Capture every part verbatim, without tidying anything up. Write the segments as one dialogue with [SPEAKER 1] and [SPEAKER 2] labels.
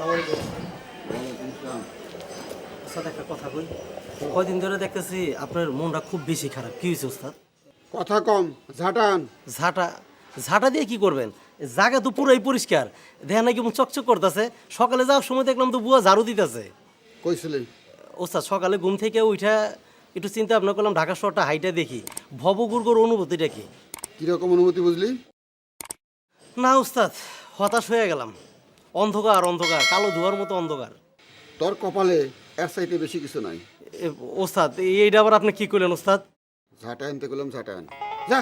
[SPEAKER 1] ওস্তাদ একটা কথা কই, কয়দিন ধরে দেখতেছি আপনার মনটা খুব বেশি খারাপ। কি হয়েছে ওস্তাদ?
[SPEAKER 2] কথা কম, ঝাঁটান।
[SPEAKER 1] ঝাঁটা ঝাঁটা দিয়ে কি করবেন? জায়গা তো পুরাই পরিষ্কার, দেখেন নাকি চকচক করতেছে। সকালে যাওয়ার সময় দেখলাম তো বুয়া ঝাড়ু দিতেছে।
[SPEAKER 2] কইছিলি
[SPEAKER 1] ওস্তাদ সকালে ঘুম থেকে উঠা একটু চিন্তা ভাবনা করলাম ঢাকা শহরটা হাইটা দেখি, ভবগুর্গর অনুভূতিটা কি।
[SPEAKER 2] কিরকম অনুমতি বুঝলি?
[SPEAKER 1] না ওস্তাদ, হতাশ হয়ে গেলাম। অন্ধকার অন্ধকার, কালো ধোয়ার মতো অন্ধকার।
[SPEAKER 2] তোর কপালে এর চাইতে বেশি কিছু নাই।
[SPEAKER 1] এ, ওস্তাদ এইটা আবার আপনি কি করলেন ওস্তাদ?
[SPEAKER 2] ঝাঁটা আনতে গেলাম, ঝাঁটান। যা।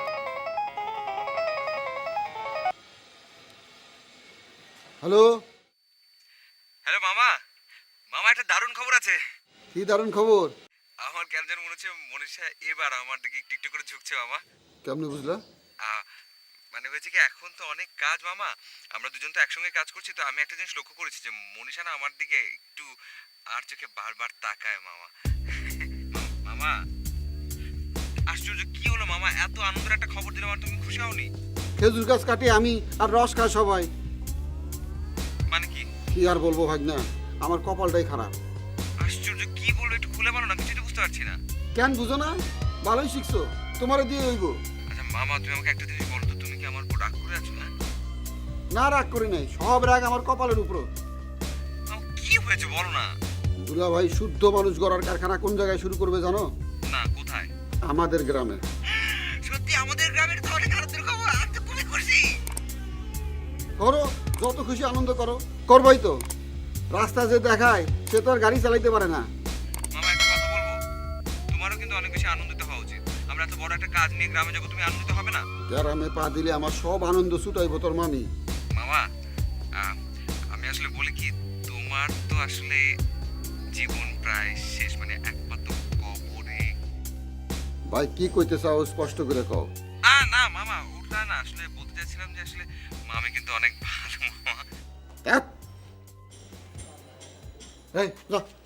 [SPEAKER 2] হ্যালো,
[SPEAKER 3] হ্যালো মামা। মামা একটা দারুণ খবর আছে।
[SPEAKER 2] কি দারুণ খবর!
[SPEAKER 3] আমার কেন যেন মনে হচ্ছে মনীষা এবার আমার দিকে একটু একটু করে ঝুঁকছে মামা।
[SPEAKER 2] কেমনে বুঝলা?
[SPEAKER 3] আহ, মানে হয়েছে কি, এখন তো অনেক কাজ মামা, আমরা দুজন তো একসঙ্গে কাজ করছি, তো আমি একটা জিনিস লক্ষ্য করেছি যে মনীষা না আমার দিকে একটু আর চোখে বারবার তাকায় মামা। মামা আশ্চর্য, কি হলো মামা, এত আনন্দের একটা খবর দিলাম আর তুমি খুশি হওনি?
[SPEAKER 2] খেজুর গাছ কাটি আমি আর রস খায় সবাই।
[SPEAKER 3] মানে কি?
[SPEAKER 2] কি আর বলবো ভাগনা, আমার কপালটাই খারাপ।
[SPEAKER 3] আশ্চর্য, কি বলবো, একটু খুলে বলো না, কিছু তো বুঝতে পারছি না।
[SPEAKER 2] কেন বুঝো না? ভালোই শিখছো, তোমারে দিয়ে হইব।
[SPEAKER 3] আচ্ছা মামা, তুমি আমাকে একটা জিনিস বলো তো, তুমি কি আমার উপর রাগ করে আছো? না
[SPEAKER 2] না, রাগ করি নাই, সব রাগ আমার কপালের উপর।
[SPEAKER 3] মামা, কি হয়েছে বলো না।
[SPEAKER 2] দুলা ভাই শুদ্ধ মানুষ গড়ার কারখানা কোন জায়গায় শুরু করবে জানো?
[SPEAKER 3] না, কোথায়?
[SPEAKER 2] আমাদের গ্রামে।
[SPEAKER 3] সত্যি আমাদের গ্রামের তো অনেক আনন্দের খবর, আমি তো খুবই খুশি।
[SPEAKER 2] করো, যত খুশি আনন্দ করো। করবোই তো। রাস্তা যে দেখায় সে তো আর গাড়ি চালাইতে পারে না।
[SPEAKER 3] মামা একটা কথা বলবো, তোমারও কিন্তু অনেক বেশি আনন্দিত হওয়া উচিত। আমরা এত বড় একটা কাজ নিয়ে গ্রামে যাবো, তুমি আনন্দিত হবে না?
[SPEAKER 2] গ্রামে পা দিলে আমার সব আনন্দ ছুটাইব তোর মামি।
[SPEAKER 3] মামা আহ, আমি আসলে বলি কি, তোমার তো আসলে জীবন প্রায় শেষ, মানে একমাত্র কবরে।
[SPEAKER 2] ভাই কি কইতে চাও স্পষ্ট করে কও।
[SPEAKER 3] না না মামা, ওটা না, আসলে বলতে চাইছিলাম যে আসলে মামি কিন্তু অনেক ভালো মামা।
[SPEAKER 2] ধ্যাৎ। এই যা।